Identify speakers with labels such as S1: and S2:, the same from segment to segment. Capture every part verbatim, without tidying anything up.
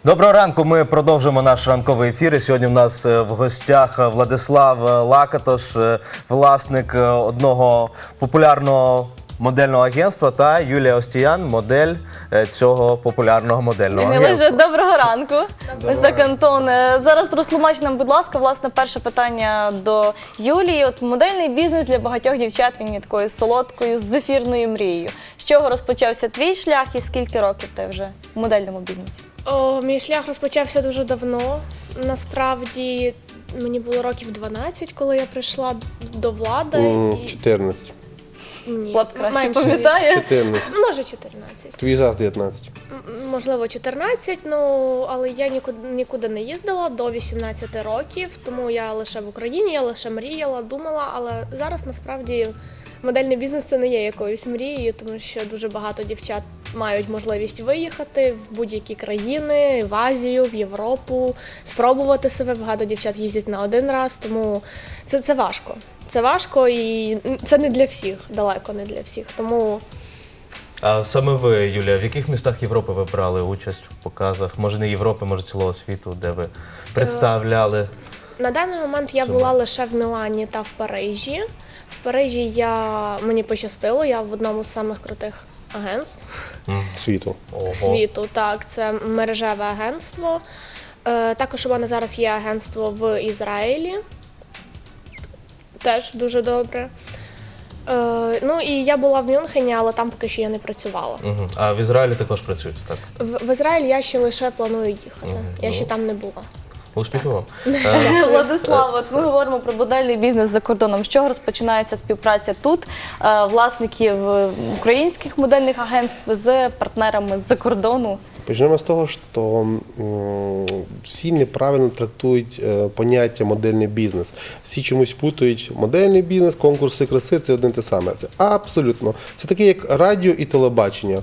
S1: Доброго ранку, ми продовжуємо наш ранковий ефір. І сьогодні в нас в гостях Владислав Лакатош, власник одного популярного модельного агентства, та Юлія Остіян, модель цього популярного модельного агентства.
S2: Доброго ранку. Ось так, Антон. Зараз розтлумач нам, будь ласка, власне, перше питання до Юлії. От модельний бізнес для багатьох дівчат, він є такою солодкою, зефірною мрією. З чого розпочався твій шлях і скільки років ти вже в модельному бізнесі?
S3: О, мій шлях розпочався дуже давно. Насправді, мені було років дванадцять, коли я прийшла до влади.
S4: Mm, чотирнадцять.
S3: Ні,
S2: Влад краще
S3: менше
S2: пам'ятає.
S4: чотирнадцять.
S3: Може, чотирнадцять.
S4: Твій зараз дев'ятнадцять.
S3: М, Можливо, чотирнадцять, ну, але я нікуди, нікуди не їздила до вісімнадцяти років, тому я лише в Україні, я лише мріяла, думала, але зараз насправді модельний бізнес – це не є якоюсь мрією, тому що дуже багато дівчат мають можливість виїхати в будь-які країни, в Азію, в Європу, спробувати себе. Багато дівчат їздять на один раз, тому це, це важко. Це важко і це не для всіх, далеко не для всіх. Тому
S1: А саме ви, Юлія, в яких містах Європи ви брали участь в показах? Може не Європи, може цілого світу, де ви представляли?
S3: на даний момент я була лише в Мілані та в Парижі. В Парижі я, мені пощастило, я в одному з самих крутих агентств
S4: Світу.
S1: Ого.
S3: світу. Так, це мережеве агентство. Е, також у мене зараз є агентство в Ізраїлі. Теж дуже добре. Е, ну і я була в Мюнхені, але там поки що я не працювала.
S1: Угу. А в Ізраїлі також працюєте, так?
S3: В, в Ізраїль я ще лише планую їхати.
S1: Мгм.
S3: Я
S1: Ну.
S3: ще там не була.
S1: Успіху вам. Е,
S2: Владислав, от ми говоримо про модельний бізнес за кордоном. З чого розпочинається співпраця тут, е, власників українських модельних агентств з партнерами з-за кордону?
S4: Почнемо з того, що м, всі неправильно трактують е, поняття модельний бізнес. Всі чомусь путають модельний бізнес, конкурси краси – це одне те саме. Це абсолютно. Це таке, як радіо і телебачення.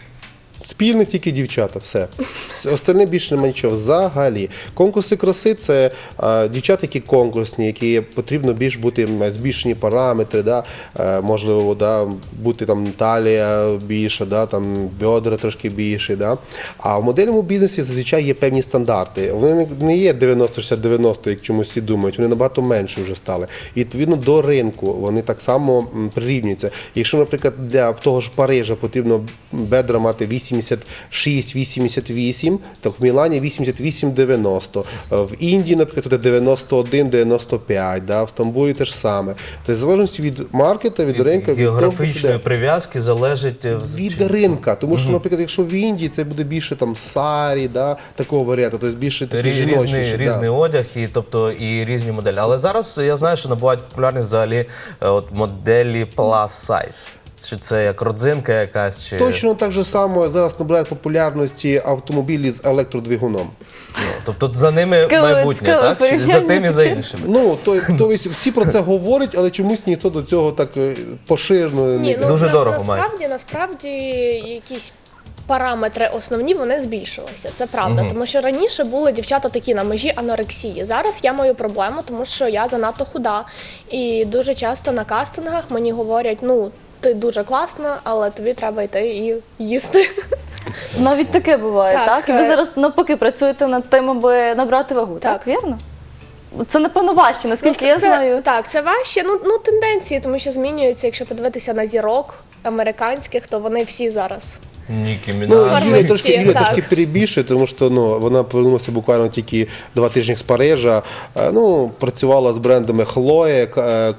S4: Спільне тільки дівчата, все. Це остальне більше немає нічого. Взагалі. Конкурси краси – це е, дівчата, які конкурсні, які потрібно більш бути збільшені параметри, да? е, можливо, да? бути там талія більша, да? там бедра трошки більші. Да? А в модельному бізнесі зазвичай є певні стандарти. Вони не є дев'яносто шістдесят дев'яносто, як чомусь всі думають, вони набагато менше вже стали. І відповідно до ринку вони так само м, прирівнюються. Якщо, наприклад, для того ж Парижа потрібно бедра мати вісімдесят шість вісімдесят вісім, то в Мілані вісімдесят вісім дев'яносто. В Індії, наприклад, це дев'яносто один дев'яносто п'ять, да? В Стамбулі те ж саме. Тобто, в залежності від маркета, від ринку, від того,
S1: Географічної
S4: що де.
S1: прив'язки залежить
S4: Від ринка, тому що, наприклад, якщо в Індії це буде більше там сарі, да, такого варіанту, тобто більше такий
S1: Різний,
S4: жіночніший.
S1: різний
S4: Да.
S1: одяг і, тобто, і різні моделі. Але зараз я знаю, що набувають популярність взагалі е, от, моделі plus size. Чи це як родзинка якась? Чи...
S4: Точно так же само зараз набирають популярності автомобілі з електродвигуном.
S1: Ну, тобто за ними
S2: Цікаве-
S1: майбутнє,
S2: цікаве
S1: так? Чи за тим і за іншими?
S4: Ну, то, то всі про це говорять, але чомусь ніхто до цього так е, поширено не
S3: Ні, ну
S1: Дуже
S3: нас-
S1: дорого має.
S3: насправді, насправді якісь параметри основні вони збільшилися. Це правда,
S1: Мгм.
S3: тому що раніше були дівчата такі на межі анорексії. Зараз я маю проблему, тому що я занадто худа. І дуже часто на кастингах мені говорять, ну ти дуже класна, але тобі треба йти і їсти.
S2: Навіть таке буває, так?
S3: Так,
S2: І ви
S3: е,
S2: зараз навпаки працюєте над тим, аби набрати вагу, так?
S3: Так.
S2: Вірно? Це, напевно, важче, наскільки
S3: це,
S2: я
S3: це,
S2: знаю.
S3: Так, це важче. Ну, ну тенденції, тому що змінюються. Якщо подивитися на зірок американських, то вони всі зараз.
S1: Нікі
S4: Ну,
S1: Мінаж.
S3: Форми
S4: Юля
S3: всі,
S4: трошки, Юля
S3: так.
S4: трошки перебільшує, тому що ну, вона повернулася буквально тільки два тижні з Парижа. Е, Ну, працювала з брендами Хлоє,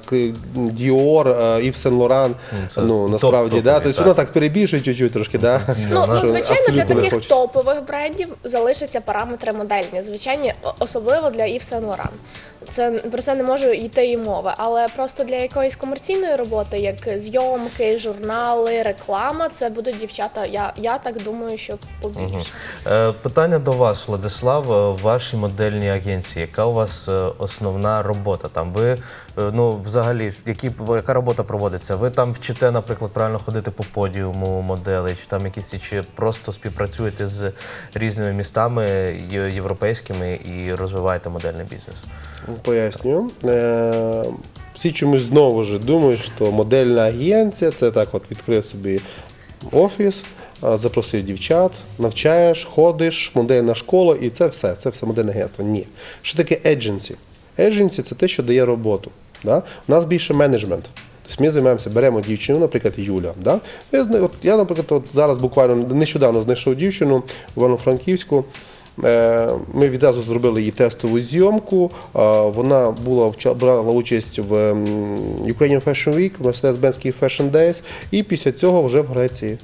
S4: Dior, Ів Сен Лоран.
S1: це
S4: Ну, насправді,
S1: топ-топові,
S4: да. Тобто
S1: так.
S4: вона так перебільшує чуть-чуть трошки, да?
S3: Ну,
S1: вона
S3: ну
S1: ж
S3: звичайно, для
S4: абсолютно не
S3: таких
S4: хоче.
S3: топових брендів залишаться параметри модельні. Звичайні, о- особливо для Ів Сен Лоран. Це про це не може йти і мови. Але просто для якоїсь комерційної роботи, як зйомки, журнали, реклама, це будуть дівчата. Я, я так думаю, що побільше.
S1: Е, Питання до вас, Владислав, е, в вашій модельній агенції. Яка у вас е, основна робота? Там ви, е, ну, взагалі, які, яка робота проводиться? Ви там вчите, наприклад, правильно ходити по подіуму моделей, чи там якісь, чи просто співпрацюєте з різними містами є- європейськими і розвиваєте модельний бізнес?
S4: Пояснюю. Е, Всі чомусь знову ж думають, що модельна агенція – це так от відкрив собі офіс, е, запросив дівчат, навчаєш, ходиш, модельна школа і це все, це все модельне агентство. Ні. Що таке едженсі? Едженсі – це те, що дає роботу. Да? У нас більше менеджмент. Тобто ми займаємося, беремо дівчину, наприклад, Юля. Да? Я, зна- от, я, наприклад, от зараз буквально нещодавно знайшов дівчину в Івано-Франківську. Е, Ми відразу зробили їй тестову зйомку. Е, Вона була вча- брала участь в м, Ukrainian Fashion Week, в Mercedes-Benz Fashion Days, і після цього вже в Греції.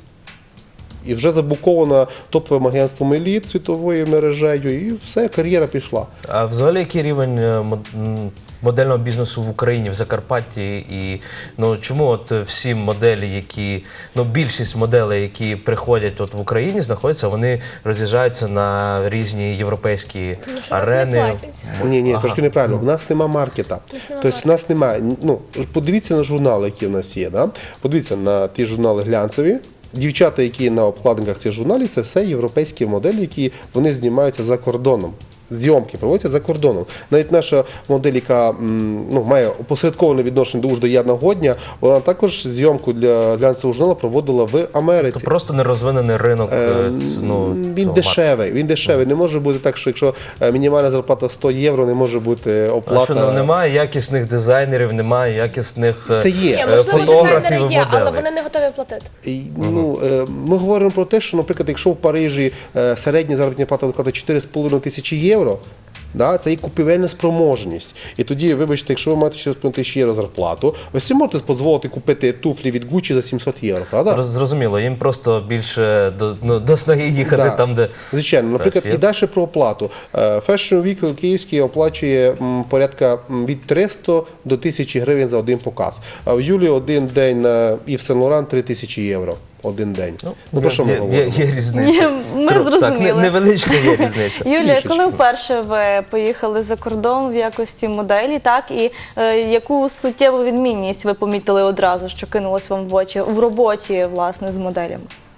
S4: І вже забукована топовим агентством еліт світовою мережею, і все, кар'єра пішла.
S1: А взагалі який рівень е, мод- м, модельного бізнесу в Україні, в Закарпатті? І ну чому от всі моделі, які ну більшість моделей, які приходять от в Україні, знаходяться, вони роз'їжджаються на різні європейські
S3: Тому що нас
S1: арени?
S3: не платять.
S4: Ні, ні,
S1: Ага.
S4: трошки неправильно. У нас нема маркета.
S3: нас нема
S4: Тобто в нас немає. Ну, подивіться на журнали, які в нас є. Да? Подивіться на ті журнали глянцеві. Дівчата, які на обкладинках цих журналів, це все європейські моделі, які вони знімаються за кордоном. Зйомки проводяться за кордоном. Навіть наша модель, яка м, ну, має опосередковане відношення до Ужда Яна Годня, вона також зйомку для глянцевого журналу проводила в Америці.
S1: Це просто нерозвинений ринок. е,
S4: Е,
S1: ц- ну,
S4: Він
S1: цього
S4: дешевий, він дешевий. Не може бути так, що якщо е, мінімальна зарплата сто євро, не може бути
S1: маркетингу.
S4: оплата.
S1: Що, ну, немає якісних дизайнерів, немає якісних е,
S4: Це є.
S3: Ні,
S1: е,
S3: можливо,
S1: фотографів
S3: дизайнери
S1: і
S3: є, але
S1: моделей.
S3: вони не готові платити.
S4: І, ну, е, ми говоримо про те, що, наприклад, якщо в Парижі е, середня заробітна плата складає чотири з половиною тисячі євро, да, це і купівельна спроможність. І тоді, вибачте, якщо ви маєте чотири з половиною тисячі євро зарплату, ви всі можете дозволити купити туфлі від Gucci за сімсот євро, правда?
S1: Роз- Зрозуміло, їм просто більше до, ну, до снаги їхати
S4: Да.
S1: там, де
S4: Звичайно, наприклад,
S1: Краще.
S4: і далі про оплату. Е, Fashion Week Київський оплачує м, порядка м, від триста до тисячі гривень за один показ. А в Юлі один день на Yves Saint Laurent три тисячі євро. Один день. Ну, про що ми
S1: є, є,
S4: говоримо?
S1: є різниця.
S2: Ні, ми
S1: Трохи, Так,
S2: зрозуміли.
S1: не- невеличка є різниця.
S2: Юлія,
S4: Трішечки.
S2: коли вперше ви поїхали за кордон в якості моделі, так і е, яку суттєву відмінність ви помітили одразу, що кинулось вам в очі в роботі власне з моделями?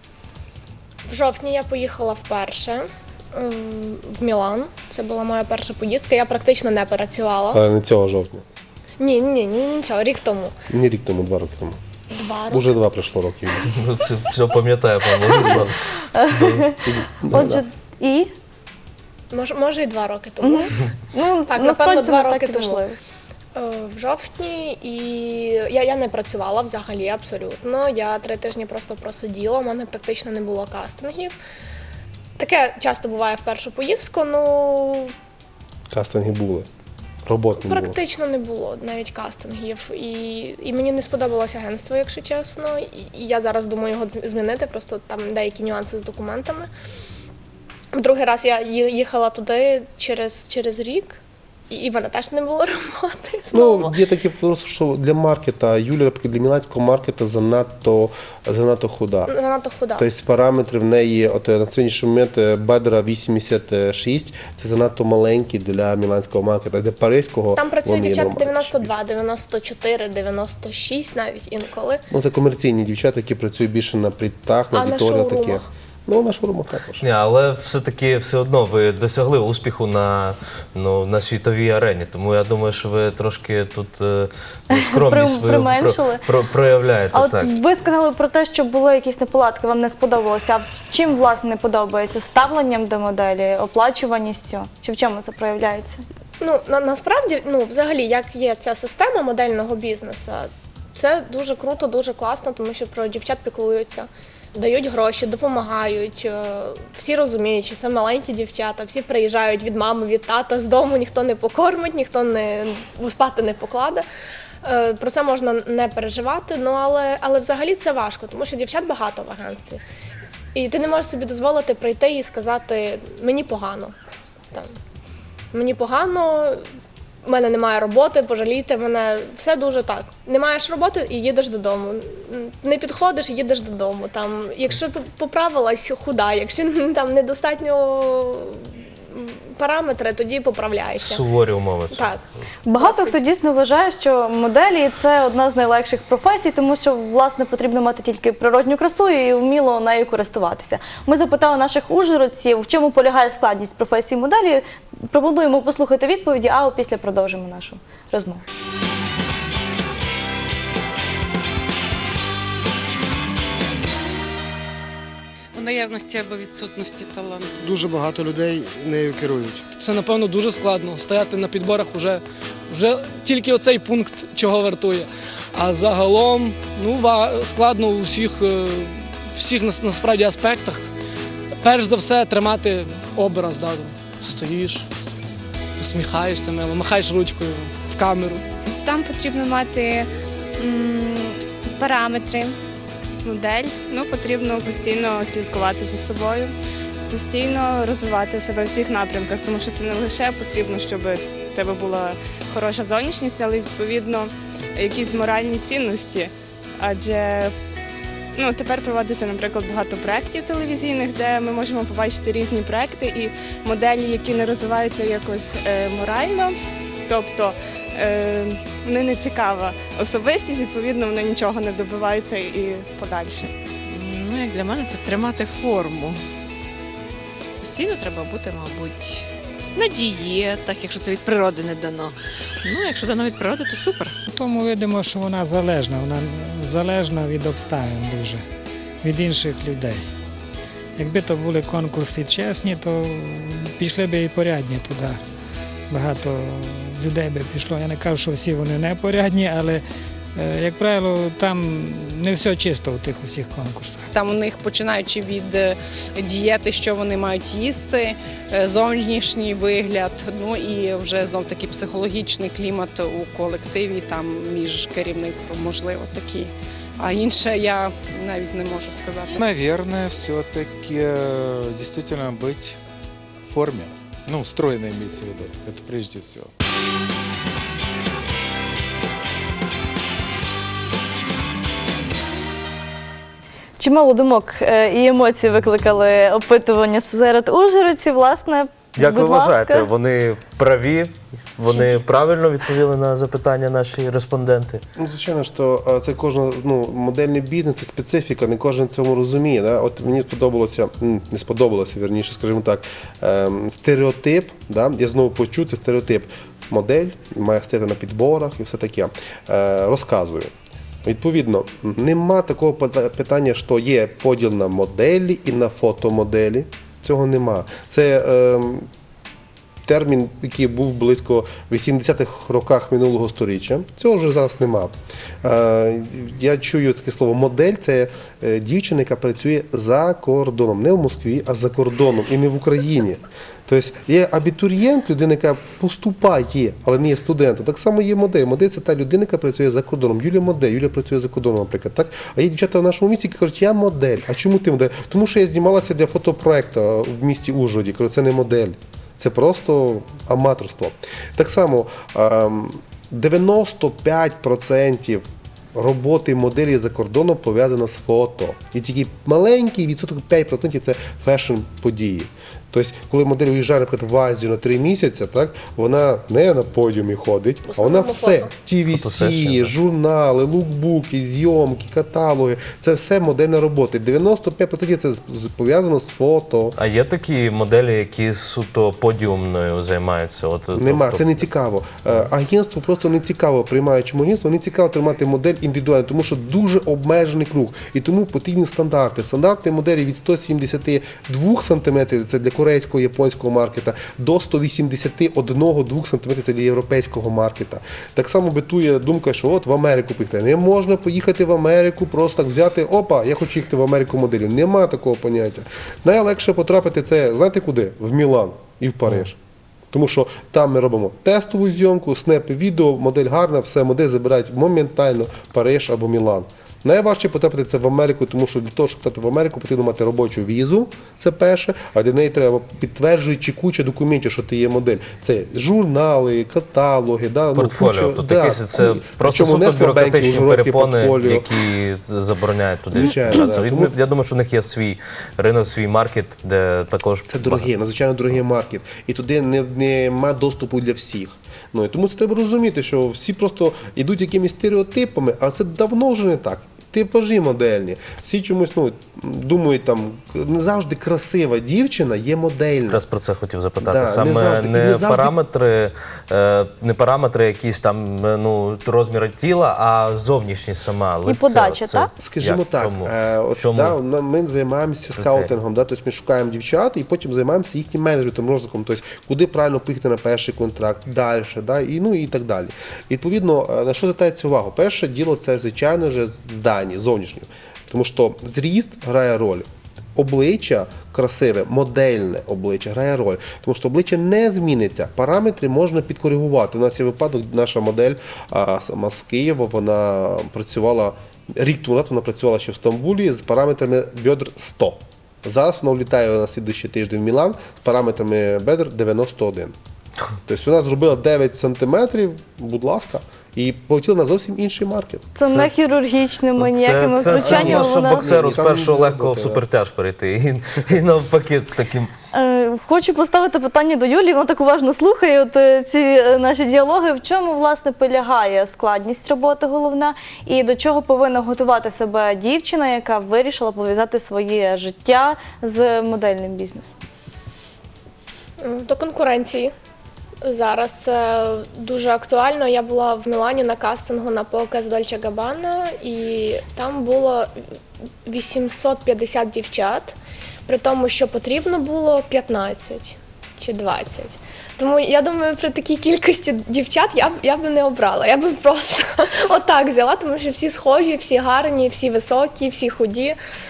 S3: В жовтні я поїхала вперше ем, в Мілан. Це була моя перша поїздка. Я практично не працювала.
S4: Але не цього жовтня.
S3: Ні, ні, ні, нічого, рік тому.
S4: Не рік тому, два роки тому.
S3: Два роки.
S4: Уже два пройшло років.
S1: Ну, це все пам'ятаю, по-моєму.
S2: Отже, і
S3: Може, може і два роки тому.
S2: ну
S3: Так,
S2: насправді
S3: напевно, два
S2: не
S3: роки
S2: так і
S3: тому.
S2: важливо.
S3: Е, В жовтні, і я, я не працювала взагалі абсолютно. Я три тижні просто просиділа, у мене практично не було кастингів. Таке часто буває в першу поїздку, ну
S4: Кастинги були. Робот не було.
S3: практично не було навіть кастингів. І, і мені не сподобалося агентство, якщо чесно. І, і я зараз думаю його з- змінити, просто там деякі нюанси з документами. В другий раз я ї- їхала туди через, через рік, і, і в мене теж не було роботи. Знову.
S4: Ну, є таке просто, що для маркета, Юля, наприклад, для міланського маркета занадто, занадто худа.
S3: Занадто худа.
S4: Тобто параметри в неї, от на сьогоднішній момент е, бедра вісімдесят шість, це занадто маленькі для міланського маркета, для паризького.
S3: Там працюють
S4: вони
S3: дівчата
S4: набагато
S3: дев'яносто
S4: більше.
S3: два, дев'яносто чотири, дев'яносто шість навіть інколи.
S4: Ну, це комерційні дівчата, які працюють більше на притах, на
S3: А на
S4: аудиторіях
S3: шоурумах?
S4: таких. Ну, на шоурумах також.
S1: Ні, але все-таки все одно ви досягли успіху на, ну, на світовій арені. Тому я думаю, що ви трошки тут е, ну, скромність
S2: При-
S1: свою
S2: применшили.
S1: про, про, проявляєте.
S2: А от
S1: так.
S2: ви сказали про те, що були якісь неполадки, вам не сподобалося. А в чим власне не подобається? Ставленням до моделі, оплачуваністю? Чи в чому це проявляється?
S3: Ну на, насправді, ну взагалі, як є ця система модельного бізнесу, це дуже круто, дуже класно, тому що про дівчат піклуються, дають гроші, допомагають. е, Всі розуміють, що це маленькі дівчата, всі приїжджають від мами, від тата з дому, ніхто не покормить, ніхто не спати не покладе. Е, Про це можна не переживати, ну але, але взагалі це важко, тому що дівчат багато в агентстві. І ти не можеш собі дозволити прийти і сказати мені погано. Там, мені погано, в мене немає роботи, пожалійте мене. Все дуже так. Не маєш роботи і їдеш додому. Не підходиш і їдеш додому. Там, якщо поправилась, худа, якщо там недостатньо параметри, тоді поправляйся.
S1: Суворі умови.
S3: Так.
S2: Багато
S3: Досить.
S2: хто дійсно вважає, що моделі це одна з найлегших професій, тому що власне потрібно мати тільки природню красу і вміло нею користуватися. Ми запитали наших ужгородців, в чому полягає складність професії моделі. Пропонуємо послухати відповіді, а опісля продовжимо нашу розмову.
S5: наявності або відсутності таланту.
S6: Дуже багато людей нею керують.
S7: Це, напевно, дуже складно. Стояти на підборах вже, вже тільки оцей пункт чого вартує. А загалом ну, ва- складно у всіх, е, всіх нас- насправді аспектах. Перш за все тримати образ. Да? Стоїш, усміхаєшся мило, махаєш ручкою в камеру.
S8: Там потрібно мати м, параметри,
S9: модель, ну, потрібно постійно слідкувати за собою, постійно розвивати себе в всіх напрямках, тому що це не лише потрібно, щоб в тебе була хороша зовнішність, але й, відповідно якісь моральні цінності. Адже ну, тепер проводиться, наприклад, багато проєктів телевізійних, де ми можемо побачити різні проєкти і моделі, які не розвиваються якось е, морально, тобто е, вони не цікава особистість, відповідно, вони нічого не добиваються і подальше.
S5: Ну, як для мене, це тримати форму. Постійно треба бути, мабуть, на дієтах, якщо це від природи не дано. Ну, якщо дано від природи, то супер.
S10: Тому видимо, що вона залежна, вона залежна від обставин дуже, від інших людей. Якби то були конкурси чесні, то пішли б і порядні туди. Багато людей би пішло. Я не кажу, що всі вони не порядні, але, як правило, там не все чисто у тих усіх конкурсах.
S11: Там у них, починаючи від е, дієти, що вони мають їсти, е, зовнішній вигляд, ну і вже знов таки психологічний клімат у колективі, там між керівництвом, можливо, такі. А інше я навіть не можу сказати.
S12: Наверное, все-таки действительно быть в форме. Ну, стройно имеется в виду. Это прежде всего.
S2: Чимало думок е, і емоцій викликали опитування серед ужгородців. Власне,
S1: Як ви
S2: будь
S1: вважаєте,
S2: ласка.
S1: вони праві? Вони правильно відповіли на запитання наші респонденти?
S4: Ну, звичайно, що е, це кожна ну, модельний бізнес, це специфіка, не кожен цьому розуміє. Да? От мені сподобалося, м, не сподобалося, вірніше, скажімо так, ем, стереотип, да? Я знову почув, це стереотип. Модель має стояти на підборах і все таке. Е, розказую. Відповідно, нема такого питання, що є поділ на моделі і на фотомоделі. Цього нема. Це е, термін, який був близько вісімдесятих роках минулого сторіччя. Цього вже зараз нема. Е, я чую таке слово модель – це е, дівчина, яка працює за кордоном. Не в Москві, а за кордоном і не в Україні. Тобто є абітурієнт, людина, яка поступає, але не є студентом. Так само є модель. Модель – це та людина, яка працює за кордоном. Юлія модель, Юлія працює за кордоном, наприклад. Так? А є дівчата в нашому місті, які кажуть, я модель. А чому ти модель? Тому що я знімалася для фотопроекту в місті Ужгороді. Кажу, це не модель. Це просто аматорство. Так само дев'яносто п'ять відсотків роботи моделі за кордоном пов'язана з фото. І тільки маленький відсоток п'ять відсотків це фешн-події. Тобто, коли модель виїжджає, наприклад, в Азію на три місяці, так, вона не на подіумі ходить, а вона все. ті ві сі, журнали, лукбуки, зйомки, каталоги. Це все модельна робота. дев'яносто п'ять відсотків це пов'язано з фото.
S1: А є такі моделі, які суто подіумною займаються? От,
S4: Нема,
S1: тобто...
S4: це не цікаво. Агентство просто не цікаво, приймаючому агентству, не цікаво тримати модель індивідуально, тому що дуже обмежений круг. І тому потрібні стандарти. Стандарти моделі від сто сімдесят два сантиметри, це для корейського, японського маркета, до сто вісімдесят один-два сантиметри, це для європейського маркета. Так само битує думка, що от в Америку поїхати. Не можна поїхати в Америку, просто так взяти, опа, я хочу їхати в Америку моделі. Нема такого поняття. Найлегше потрапити це, знаєте куди? В Мілан і в Париж. Тому що там ми робимо тестову зйомку, снепи, відео, модель гарна, все, модель забирають моментально Париж або Мілан. Найважче потрапити це в Америку, тому що для того, щоб потрапити в Америку, потрібно мати робочу візу, це перше, а для неї треба підтверджуючи куча документів, що ти є модель. Це журнали, каталоги, да,
S1: портфоліо.
S4: Ну, куча,
S1: тобто
S4: да,
S1: якісь це
S4: ну,
S1: просто
S4: суто
S1: суто бюрократичні перепони,
S4: портфоліо.
S1: які забороняють туди.
S4: Звичайно, да.
S1: Тому... Я думаю, що в них є свій ринок, свій маркет, де також...
S4: Це дорогий, надзвичайно дорогий маркет. І туди немає доступу для всіх. Ну, і тому це треба розуміти, що всі просто йдуть якимись стереотипами, а це давно вже не так. типажі модельні. Всі чомусь ну, думають, там, не завжди красива дівчина є модельна.
S1: Якраз про це хотів запитати.
S4: Да, не
S1: Саме
S4: завжди.
S1: не,
S4: І не завжди-
S1: параметри, е, не параметри якісь там е, ну, розміри тіла, а зовнішність сама. лице.
S2: подача,
S1: Це
S2: так?
S4: Скажімо
S1: як?
S4: так,
S1: Чому?
S4: е, от,
S1: Чому?
S4: да, ну, ми займаємося скаутингом, да, тобто ми шукаємо дівчат і потім займаємося їхнім менеджментом, розвитком, тобто куди правильно поїхати на перший контракт, далі, да, і, ну, і так далі. Відповідно, е, на що звертається увагу? Перше діло це, звичайно ж, дані, зовнішні. Тому що зріст грає роль. Обличчя красиве, модельне обличчя грає роль, тому що обличчя не зміниться, параметри можна підкоригувати. У нас є випадок, наша модель а, сама з Києва, вона працювала, рік тому назад вона працювала ще в Стамбулі з параметрами бедр сто. Зараз вона влітає на слідуючий тиждень в Мілан з параметрами бедр дев'яносто один. Тобто вона зробила дев'ять сантиметрів, будь ласка, і полетіла на зовсім інший маркет.
S2: Це, не хірургічними ніякими
S1: це, це все
S2: втручаннями.
S1: одно, що
S2: Вона...
S1: боксеру з
S4: Там
S1: першого
S4: не
S1: легкого в
S4: роботи, да.
S1: супертяж перейти. І, і навпаки з таким.
S2: Е, Хочу поставити питання до Юлії, вона так уважно слухає от, е, ці е, наші діалоги. В чому, власне, полягає складність роботи головна і до чого повинна готувати себе дівчина, яка вирішила пов'язати своє життя з модельним бізнесом?
S3: До конкуренції. Зараз це дуже актуально. Я була в Мілані на кастингу на показ Dolce Gabbana, і там було вісімсот п'ятдесят дівчат, при тому, що потрібно було п'ятнадцять чи двадцять. Тому я думаю, при такій кількості дівчат я б я б не обрала. Я б просто отак взяла, тому що всі схожі, всі гарні, всі високі, всі худі.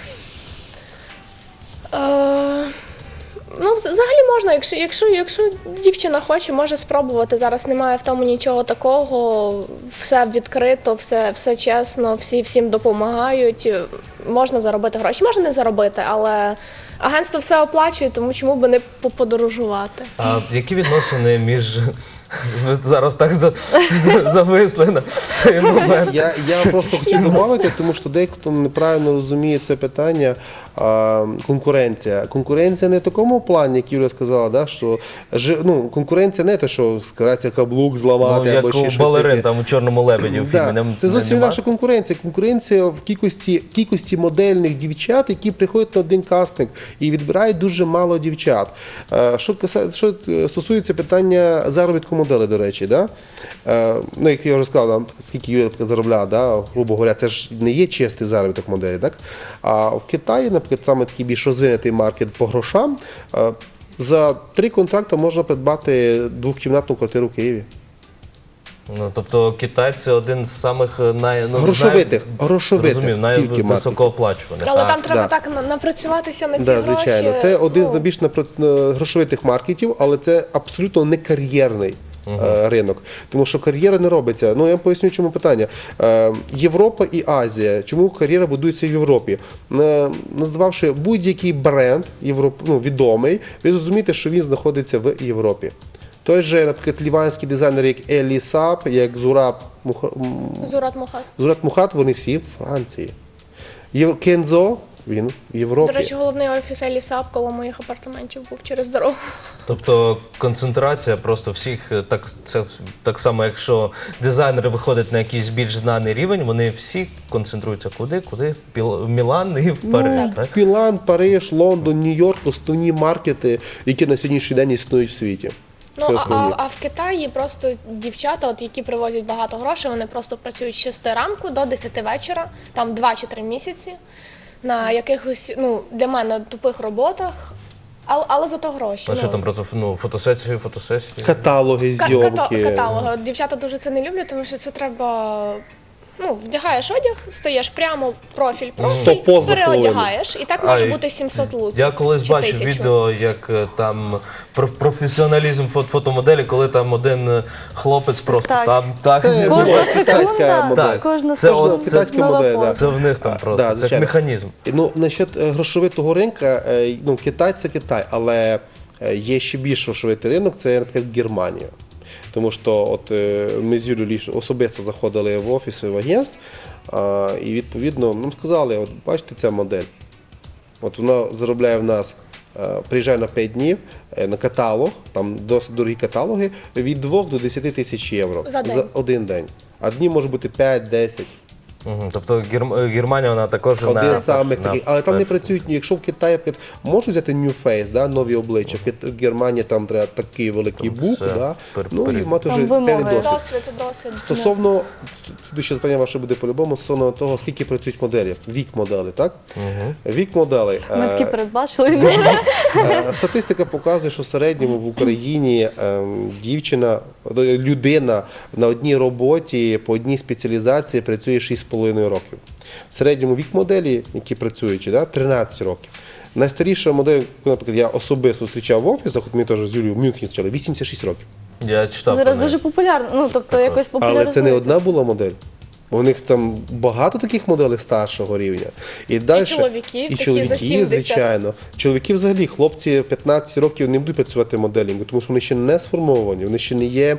S3: Е, Ну, взагалі можна, якщо, якщо, якщо дівчина хоче, може спробувати. Зараз немає в тому нічого такого, все відкрито, все, все чесно, всі всім допомагають. Можна заробити гроші, можна не заробити, але агентство все оплачує, тому чому би не поподорожувати.
S1: А які відносини між... Ви зараз так за, за, зависли на цей момент.
S4: Я, я просто хотів додати, тому що дехто неправильно розуміє це питання. А, конкуренція. Конкуренція не в такому плані, як Юля сказала, да, що жи- ну, конкуренція не те, що скарається каблук, зламати
S1: Ну,
S4: або
S1: як
S4: ще
S1: у
S4: щось
S1: балерин
S4: таке.
S1: там у «Чорному лебеді» в фільмі.
S4: Да,
S1: Не-
S4: це
S1: не-
S4: зовсім
S1: нема?
S4: наша конкуренція. Конкуренція в кількості, кількості модельних дівчат, які приходять на один кастинг і відбирають дуже мало дівчат. Е, Що, каса- що стосується питання заробітку моделі, до речі, да? Е, ну, як я вже сказав, там, скільки Юля заробляла, да? Грубо говоря, це ж не є чистий заробіток моделі. Так? А в Китаї, наприклад, саме такий більш розвинутий маркет по грошам, е, за три контракти можна придбати двохкімнатну квартиру в Києві.
S1: Ну, тобто Китай це один з самих най... ну,
S4: Грошовитих,
S1: най...
S4: грошовитих,
S1: Розумів,
S4: тільки
S1: найвисокооплачуваних.
S3: Але
S1: а,
S3: там треба
S4: да.
S3: так на- напрацюватися на ці
S4: Да,
S3: гроші.
S4: звичайно, це один з
S3: ну,
S4: найбільш напра- грошовитих маркетів, але це абсолютно не кар'єрний е, ринок. Тому що кар'єра не робиться. Ну я вам поясню, чому питання. Е, Європа і Азія. Чому кар'єра будується в Європі? Е, назвавши будь-який бренд європ... ну, відомий, ви зрозумієте, що він знаходиться в Європі. Той же, наприклад, ліванський дизайнер, як Елі Сап, як Зураб Муха... м,
S3: Зурат Мухат.
S4: Зураб Мухат, вони всі в Франції. Єв... Кензо, він в Європі.
S3: До речі, головний офіс Елі Сап коло моїх апартаментів був через дорогу.
S1: Тобто концентрація просто всіх, так, це, так само, якщо дизайнери виходять на якийсь більш знаний рівень, вони всі концентруються куди? Куди? Піл- в Мілан і в Париж.
S4: Ну,
S1: так?
S4: Мілан, Париж, Лондон, Нью-Йорк – основні маркети, які на сьогоднішній день існують в світі.
S3: Ну,
S4: Це
S3: а,
S4: основні.
S3: а, а в Китаї просто дівчата, от, які привозять багато грошей, вони просто працюють з шести ранку до десяти вечора, там два чи три місяці, на якихось, ну, для мене тупих роботах, але, але зато гроші.
S1: А
S3: ну.
S1: що там просто ну, фотосесії, фотосесії?
S4: Каталоги,
S3: Ка-
S4: зйомки.
S3: ката- Каталоги. От дівчата дуже це не люблять, тому що це треба. Ну, вдягаєш одяг, стаєш прямо профіль, профіль,
S4: Сто поз за
S3: переодягаєш, і так може
S1: А,
S3: бути сімсот луків.
S1: Я колись
S3: чи
S1: бачив
S3: тисячу.
S1: відео, як е, там про професіоналізм фото- фотомоделі, коли там один е, хлопець просто
S2: Так.
S1: там так.
S4: Це
S1: не
S2: Кожна
S4: була
S1: було.
S4: китайська
S2: секунда,
S4: модель.
S2: кожна
S1: Це
S2: секунда
S1: от- це
S4: китайська
S2: нова
S4: модель,
S2: поза.
S4: да.
S1: Це в них там
S4: А,
S1: просто,
S4: да,
S1: це ж
S4: звичайно.
S1: механізм.
S4: Ну, насчет е, грошовитого ринка, е, ну, Китай – це Китай, але е, є ще більш грошовитий ринок, це, наприклад, Германія. Тому що от е, ми з Юлією ліж- особисто заходили в офіси в агентств, а, і відповідно нам сказали, от бачите ця модель, от вона заробляє в нас, е, приїжджає на п'ять днів е, на каталог, там досить дорогі каталоги, від двох до десяти тисяч євро
S3: За день.
S4: один день. А днів може бути п'ять-десять.
S1: Мгм. Тобто Герм- Германія, вона також
S4: Один
S1: на,
S4: з самих
S1: на-
S4: таких, але там не працюють, якщо в Китаї наприклад, можуть взяти New Face, да, нові обличчя, в Кит- в Германії там треба такий великий
S1: Там
S4: бук,
S1: все
S4: да,
S1: пер-
S4: ну і
S1: перед-
S4: мати
S2: Там
S4: вже
S2: вимоги.
S4: певний досвід.
S3: Досвід, досвід.
S4: Стосовно, слідуюче запитання ваше буде по-любому, стосовно того, скільки працюють моделів, вік моделей, так? Вік моделей.
S2: Ми такі
S4: е,
S2: передбачили.
S4: Е, Статистика показує, що в середньому в Україні ем, дівчина, е, людина на одній роботі по одній спеціалізації працює шість з половиною років. В середньому вік моделі, які працюють, да, тринадцять років. Найстаріша модель, наприклад, я особисто зустрічав в офісах, от ми теж з Юлією в Мюнхені зустрічали, вісімдесят шість років.
S1: Я читав про
S2: Зараз
S1: неї.
S2: дуже популярно, ну тобто якось
S4: Але
S2: популяризують.
S4: це не одна була модель. У них там багато таких моделей старшого рівня. І, далі,
S3: чоловіків
S4: і
S3: такі
S4: чоловіки,
S3: за сімдесят.
S4: звичайно. Чоловіки взагалі, хлопці п'ятнадцять років не будуть працювати моделінгу, тому що вони ще не сформовані, вони ще не є.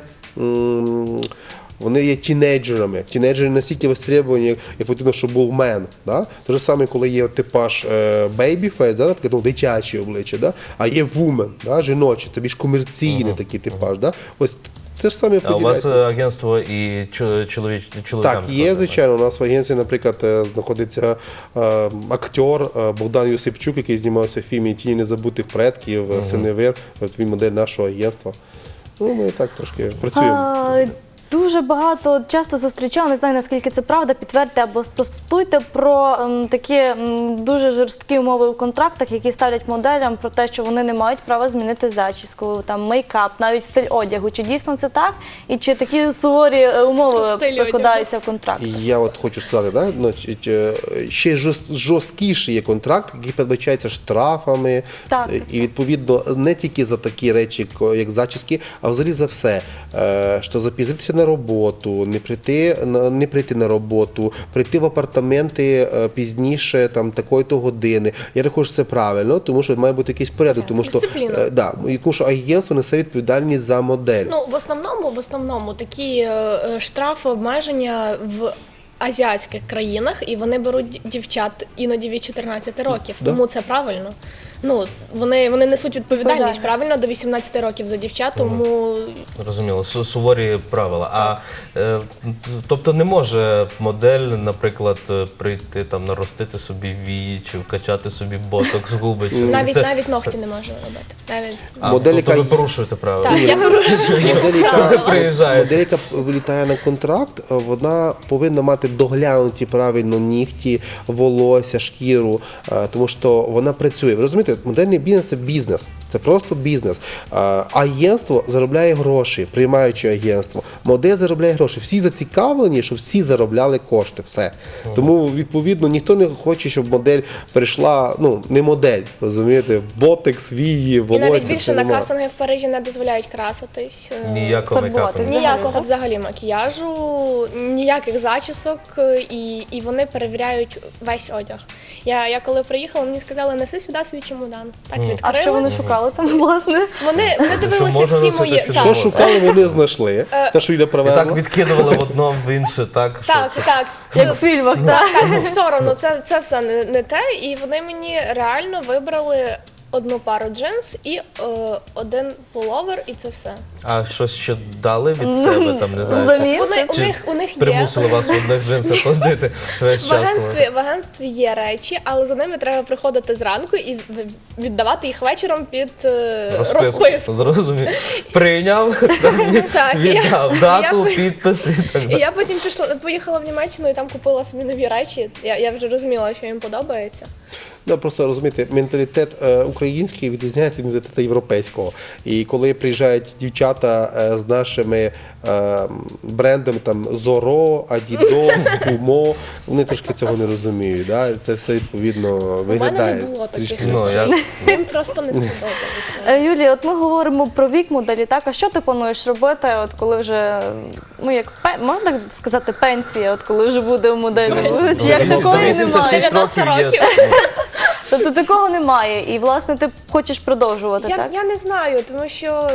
S4: м, Вони є тінейджерами. Тінейджери настільки востребовані, як, як потрібно, щоб був мен. Да? Те ж саме, коли є типаж бейбі-фейс, да? Наприклад, ну, дитячі обличчя, да? А є вумен, да? Жіночі, це більш комерційний такий типаж. Да? Ось те ж саме
S1: А у вас
S4: поділяється.
S1: е, агентство і чо- чоловіч, чоловікам?
S4: Так, є, звичайно. У нас в агенції, наприклад, е, знаходиться е, актер е, Богдан Юсипчук, який знімався в фільмі «Тіні незабутих предків», uh Синевир, от він модель нашого агентства. Ну, ми так трошки працюємо.
S2: А, Дуже багато часто зустрічала, не знаю наскільки це правда, підтвердьте або спростуйте про м, такі м, дуже жорсткі умови у контрактах, які ставлять моделям про те, що вони не мають права змінити зачіску, там мейкап, навіть стиль одягу. Чи дійсно це так? І чи такі суворі е, умови
S3: Стиль
S2: покладаються в контракт?
S4: І я от хочу сказати, да? значить, е, ще жорст- жорсткіший є контракт, який передбачається штрафами.
S2: Так.
S4: І відповідно не тільки за такі речі, ко- як зачіски, а взагалі за все. Е, Що запізнитися на роботу, не прийти на не прийти на роботу, прийти в апартаменти е, пізніше, там такої-то години. Я рахую, що це правильно, тому що має бути якийсь порядок, тому що
S3: Дисципліна.
S4: е, да, і тому що агентство несе відповідальність за модель.
S3: Ну, в основному, в основному такі е, е, штрафи, обмеження в азіатських країнах, і вони беруть дівчат іноді від чотирнадцяти років.
S4: Да.
S3: Тому це правильно. Ну, вони, вони несуть відповідальність,
S2: Відповідальність.
S3: правильно, до вісімнадцяти років за дівчат, тому
S1: Зрозуміло, су- суворі правила. А е, т- тобто не може модель, наприклад, е, прийти там наростити собі вії чи вкачати собі ботокс, губи. Чи
S3: навіть,
S1: це...
S3: навіть ногті не може робити. Навіть...
S1: А,
S4: Модель,
S1: тобто
S4: яка
S1: ви порушуєте правила.
S3: Так, я порушую
S4: Модель,
S3: правила.
S4: яка,
S1: Приїжджає.
S4: модель, яка вилітає на контракт, е, вона повинна мати доглянуті правильно нігті, волосся, шкіру, е, тому що вона працює. Ви розумієте, модельний бізнес – це бізнес, це просто бізнес. Е, Агентство заробляє гроші, приймаючи агентство. Модель заробляє гроші. Всі зацікавлені, щоб всі заробляли кошти. Все. Тому, відповідно, ніхто не хоче, щоб модель перейшла, ну, не модель, розумієте, ботекс, вії,
S3: І
S4: волосся.
S3: навіть більше
S4: це
S3: на
S4: нема.
S3: касинги в Парижі не дозволяють краситись. е,
S1: Ніякого
S2: Фарбувати.
S1: мейкапу.
S3: Ніякого взагалі макіяжу, ніяких зачісок, е, і, і вони перевіряють весь одяг. Я, я коли приїхала, мені сказали, неси сюди свій чемодан. Так відкрили.
S2: А що вони шукали там, власне?
S3: Вони, вони дивилися
S1: можна
S3: всі
S1: носити
S3: мої.
S1: що
S3: Так,
S4: Що шукали, вони знайшли. Те, що Юля
S1: І
S4: привезла.
S1: так відкидували в одно, в інше, так? що-
S3: так,
S1: що-
S3: так.
S2: Як в фільмах, так?
S3: Так, так, все одно, це, це все не, не те. І вони мені реально вибрали одну пару джинс і е, один пуловер, і це все.
S1: А щось ще дали від себе, там, не знаю.
S2: Заміс?
S3: Вони, у,
S1: Чи
S3: них, у них є.
S1: примусили вас в одних джинсах ходити весь
S3: В
S1: час?
S3: агентстві, в агентстві є речі, але за ними треба приходити зранку і в- віддавати їх вечором під е,
S1: Розписку.
S3: розписку.
S1: Зрозумів. Прийняв,
S3: Так, і я-
S1: віддав дату,
S3: я-
S1: підпис і так
S3: І
S1: далі.
S3: я потім пішла, поїхала в Німеччину і там купила собі нові речі. Я, я вже розуміла, що їм подобається.
S4: Ну, просто розумієте, менталітет е, український відрізняється від менталітету європейського. І коли приїжджають дівчата е, з нашими е, брендами там Зоро, Адідо, Кумо, вони трошки цього не розуміють. Да? Це все відповідно
S3: У мене
S4: виглядає
S3: не було таких
S4: трішки.
S1: Ну,
S3: речей.
S1: я-
S3: Їм просто не сподобалося.
S2: Е, Юлія, от ми говоримо про вік моделі, так? А що ти плануєш робити, от коли вже, ну як пе- можна сказати, пенсія, от коли вже буде у моделі? Чи як
S1: До
S2: такої
S1: вісімдесят шість
S2: немає?
S3: дев'яносто
S1: років є.
S3: років.
S2: Тобто такого немає, і власне ти хочеш продовжувати,
S3: Я,
S2: так?
S3: я не знаю, тому що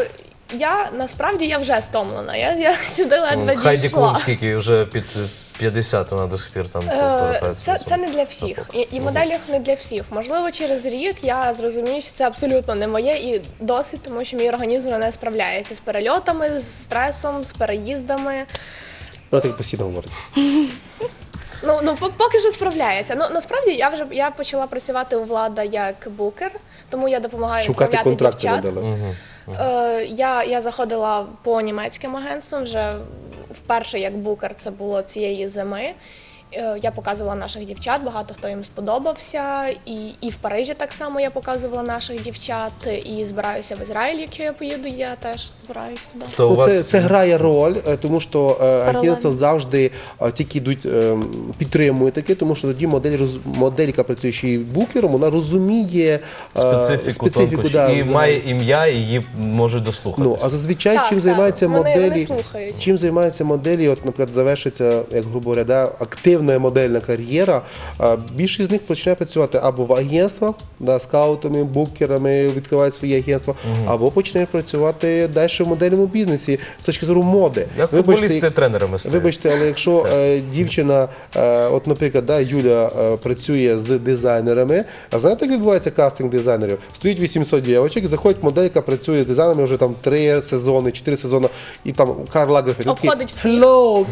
S3: я насправді я вже стомлена. Я, я сюди ледве
S1: Хайді
S3: дійшла.
S1: Клум, скільки вже під п'ятдесят вона до сих пір там
S3: Е,
S1: повертається.
S3: Це, це не для всіх. І, і моделінг не для всіх. Можливо, через рік я зрозумію, що це абсолютно не моє і досить, тому що мій організм не справляється з перельотами, з стресом, з переїздами.
S4: Вона так постійно говорить.
S3: Ну, ну по- поки що справляється. Ну насправді я вже я почала працювати у Влада як букер, тому я допомагаю
S4: Шукати
S3: відправляти
S4: контракти
S3: дівчат.
S4: надали.
S1: Мгм.
S3: Е, я, я заходила по німецьким агентствам вже вперше як букер, це було цієї зими. Е, Я показувала наших дівчат, багато хто їм сподобався. І, і в Парижі так само я показувала наших дівчат. І збираюся в Ізраїль, якщо я поїду, я теж збираюсь туди.
S1: То у
S4: Ну,
S1: вас
S4: це, це грає роль, е, тому що е, агентства завжди е, тільки йдуть, е, підтримують таке, тому що тоді модель, роз- модель, яка працює ще й букером, вона розуміє е,
S1: специфіку,
S4: специфіку
S1: тонкощі.
S4: да,
S1: і
S4: взагалі.
S1: має ім'я, і її можуть дослухати.
S4: Ну, а зазвичай
S3: Так,
S4: чим
S3: так,
S4: займаються
S3: вони- вони
S4: моделі,
S3: слухають.
S4: чим займаються моделі, от, наприклад, завершиться, як грубо говоря, да, активна модельна кар'єра, а, більшість з них починає працювати або в агентствах, да, скаутами, букерами, відкривають свої агентства, або починають працювати далі в модельному бізнесі з точки зору моди.
S1: Як
S4: Вибачте,
S1: футболісти тренерами стають.
S4: Вибачте, але якщо е, дівчина, е, от, наприклад, да, Юля е, працює з дизайнерами, а знаєте, як відбувається кастинг дизайнерів? Стоїть вісімсот дівчаток, заходить моделька, працює з дизайнерами вже там три сезони, чотири сезони, і там Карл Лагерфельд такий,
S3: Обходить всіх.
S4: «Hello!»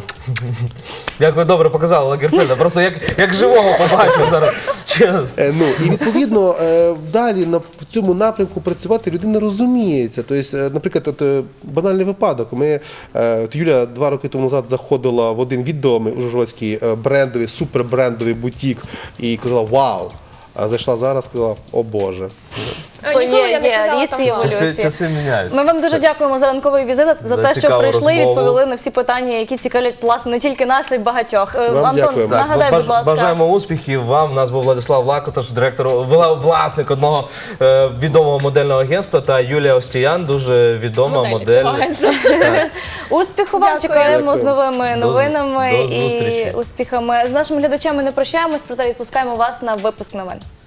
S1: Як ви добре показали Лагерфельда, просто як, як живого побачив зараз. Чесно.
S4: Е, Ну, і відповідно е, далі на в цьому напрямку працювати людина розуміється. Тобто, е, наприклад, от, е, банальний випадок. Ми, е, от Юля два роки тому назад заходила в один відомий ужгородський е, брендовий, супербрендовий бутік і казала «Вау!». А зайшла зараз, сказала «О Боже».
S3: Е,
S2: То
S3: Ніколи
S2: є-
S3: я не
S2: є
S3: казала
S2: ріст
S3: там
S2: і
S3: «Вау».
S2: еволюція.
S1: Часи, часи міняють.
S2: Ми вам дуже дякуємо за ранковий візит, за,
S1: За
S2: те, що
S1: цікаву
S2: прийшли,
S1: розмову.
S2: відповіли на всі питання, які цікавлять власне не тільки нас, а й багатьох. Е,
S4: Вам
S2: Антон,
S4: дякуємо.
S1: Так,
S2: нагадай,
S1: баж-
S2: будь ласка.
S1: Бажаємо успіхів вам. У нас був Владислав Лакоташ, директор, вла- власник одного е, відомого модельного агентства, та Юлія Остіян, дуже відома
S3: Модель
S1: модель.
S3: цього агентства.
S2: Успіху вам,
S3: Дякую.
S2: чекаємо з
S4: Дякую.
S2: новими
S1: До-
S2: новинами
S1: до
S2: і
S1: зустрічі.
S2: успіхами. З нашими глядачами не прощаємось, проте відпускаємо вас на випуск новин.